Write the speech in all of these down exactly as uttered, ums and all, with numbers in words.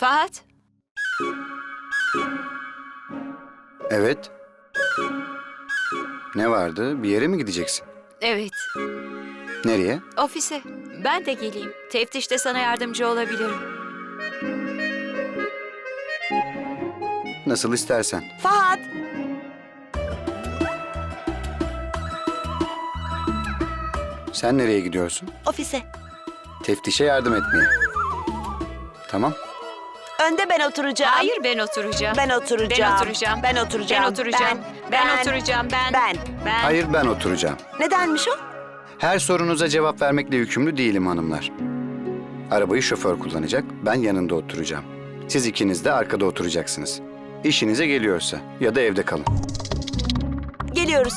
Fahat, Evet. Ne vardı? Bir yere mi gideceksin? evet, Nereye? ofise. Ben de geleyim. Teftişte sana yardımcı olabilirim. Nasıl istersen. Fahat, Sen nereye gidiyorsun? ofise. Teftişe yardım etmeye. Tamam. Önde ben oturacağım. Hayır, ben oturacağım. Ben oturacağım. Ben oturacağım. Ben oturacağım. Ben oturacağım. Ben, Ben. oturacağım. Ben. Ben. Ben. Hayır, ben oturacağım. Nedenmiş o? Her sorunuza cevap vermekle yükümlü değilim hanımlar. Arabayı şoför kullanacak, ben yanında oturacağım. Siz ikiniz de arkada oturacaksınız. İşinize geliyorsa ya da evde kalın. Geliyoruz.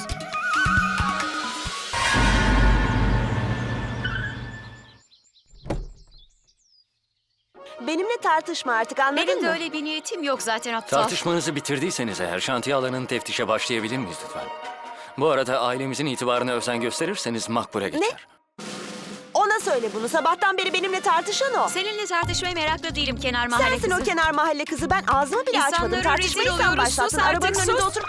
Benimle tartışma artık, anladın Benim de mı? öyle bir niyetim yok zaten aptal. Tartışmanızı bitirdiyseniz eğer şantiye alanının teftişe başlayabilir miyiz lütfen? Bu arada ailemizin itibarına özen gösterirseniz makbule geçer. Ona söyle bunu. Sabahtan beri benimle tartışan o. Seninle tartışmaya meraklı değilim kenar mahalle Sensin kızı. o kenar mahalle kızı. Ben ağzımı bile açmadım. İnsanlara Tartışmayı rezil sen oluyoruz. başlattın. Sus artık, Arabanın önünde sus. otur.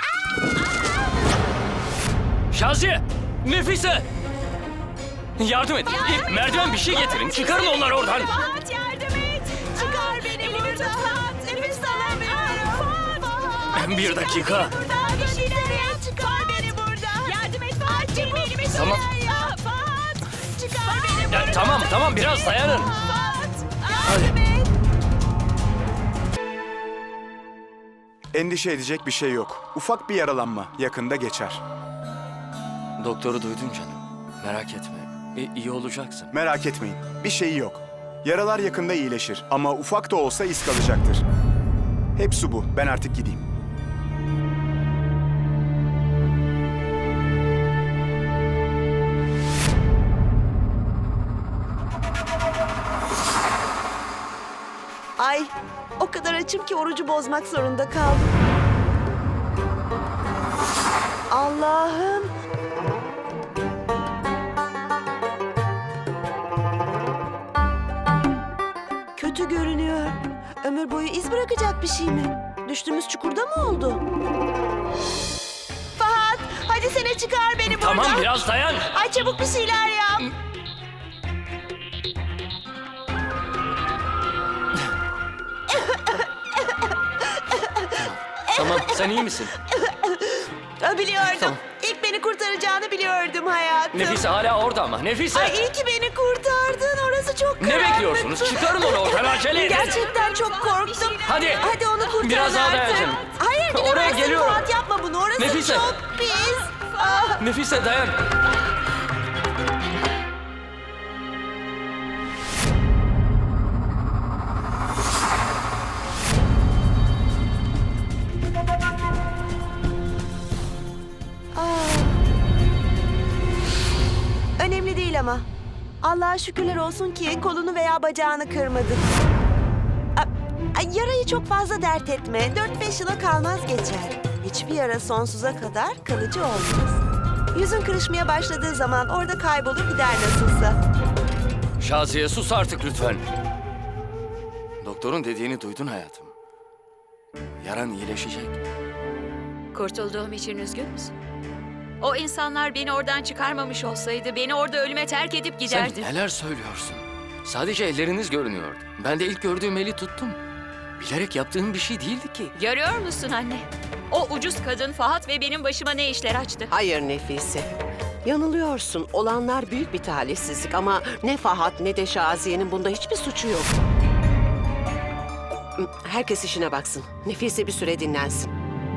Şaziye! Nefise! Yardım edin. Merdiven bir şey getirin. Çıkarın onları oradan. Fahat yardım et. Çıkar beni buradan. Nefes alamıyorum. Bir dakika. Buradan bir şeyler yap. Çıkar beni buradan. Yardım et Fahat. Benim elime Tamam. şeyler yap. Fahat. Çıkar beni buradan. Ya, tamam tamam biraz dayanın. Fahat. Hadi. Yardım et. Endişe edecek bir şey yok. Ufak bir yaralanma. Yakında geçer. Doktoru duydun canım. Merak etme. İ- iyi olacaksın. Merak etmeyin. Bir şeyi yok. Yaralar yakında iyileşir ama ufak da olsa iz kalacaktır. Hepsi bu. Ben artık gideyim. Ay, o kadar açım ki orucu bozmak zorunda kaldım. Allah'ım. Kötü görünüyor. Ömür boyu iz bırakacak bir şey mi? Düştüğümüz çukurda mı oldu? Fahat, hadi sene çıkar beni buradan. Tamam biraz dayan. Ay çabuk bir şeyler yap. Tamam sen iyi misin? Aa, Biliyordum. Tamam. İlk beni kurtaracağını biliyordum hayatım. Nefise hala orada ama. Nefise! Ay iyi ki beni kurtardın. Orası çok Ne karanlıktı. bekliyorsunuz? Çıkarın onu oradan acele edin. Gerçekten çok korktum. Hadi. Hadi onu kurtar Biraz daha artık. dayan canım. Hayır gidemezsin Oraya geliyorum. Fuat, yapma bunu. Orası Nefise. çok pis. Ah. Nefise dayan. Ah. Önemli değil ama. Allah'a şükürler olsun ki kolunu veya bacağını kırmadın. A- Ay, yarayı çok fazla dert etme. Dört beş yıla kalmaz geçer. Hiçbir yara sonsuza kadar kalıcı olmaz. Yüzün kırışmaya başladığı zaman orada kaybolur gider nasılsa. Şaziye sus artık lütfen. Doktorun dediğini duydun hayatım. Yaran iyileşecek. Kurtulduğum için üzgün müsün? O insanlar beni oradan çıkarmamış olsaydı beni orada ölüme terk edip Sen giderdi. neler söylüyorsun? Sadece elleriniz görünüyordu. Ben de ilk gördüğüm eli tuttum. Bilerek yaptığım bir şey değildi ki. Görüyor musun anne? O ucuz kadın Fahat ve benim başıma ne işler açtı. Hayır Nefise. Yanılıyorsun. Olanlar büyük bir talihsizlik ama ne Fahat ne de Şaziye'nin bunda hiçbir suçu yok. Herkes işine baksın. Nefise bir süre dinlensin.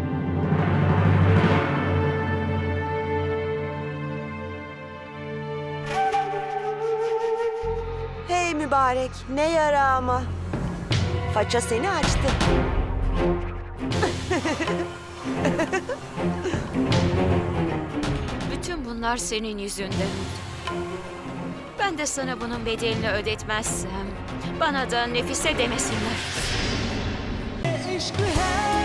Hey mübarek, ne yara ama. Faça seni açtı. Bütün bunlar senin yüzünden. Ben de sana bunun bedelini ödetmezsem bana da Nefise demesinler. इश्क है